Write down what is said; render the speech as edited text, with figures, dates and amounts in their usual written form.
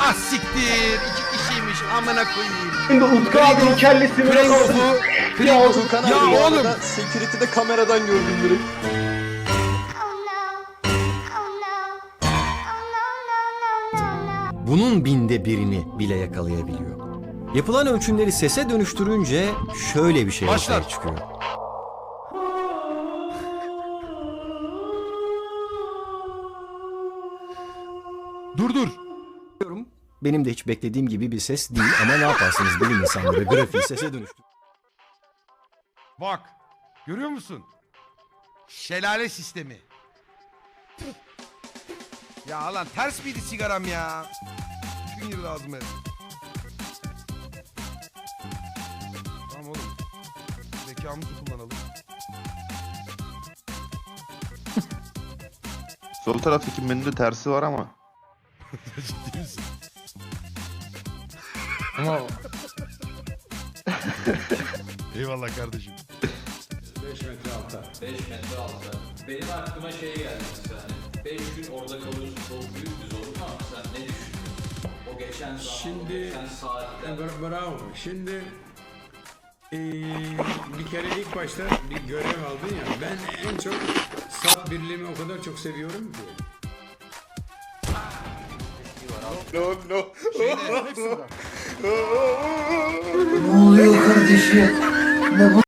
Ah siktir. 2 kişiymiş amına koyayım. Şimdi Utku abinin kellesini Pringle'u Furkan ya abi bu oğlum. arada security'de kameradan gördüm direkt. Bunun binde birini bile yakalayabiliyor. Yapılan ölçümleri sese dönüştürünce şöyle bir şey Başlar. ortaya çıkıyor. Dur. Benim de hiç beklediğim gibi bir ses değil ama ne yaparsınız bilim insanları grafiği sese dönüştür. Bak. Görüyor musun? Şelale sistemi. Ya lan ters miydi sigaram ya? Tüm girdi ağzıma. Tamam oğlum. Zekamızı kullanalım. Sol taraftaki menüde tersi var ama. Ciddi misin? Ama Eyvallah kardeşim. 5 metre alta. 5 metre altta. Benim aklıma şey geldi mesela hani 5 gün orada kalıyorsun çok büyük bir zorluk ama sen ne düşünüyorsun? O geçen zaman, Şimdi- o geçen saatten Bravo. Şimdi bir kere ilk başta bir görev aldın ya. Ben en çok sap birliğimi o kadar çok seviyorum ki. Şeyde, Ne oluyor kardeşim? Ne bu?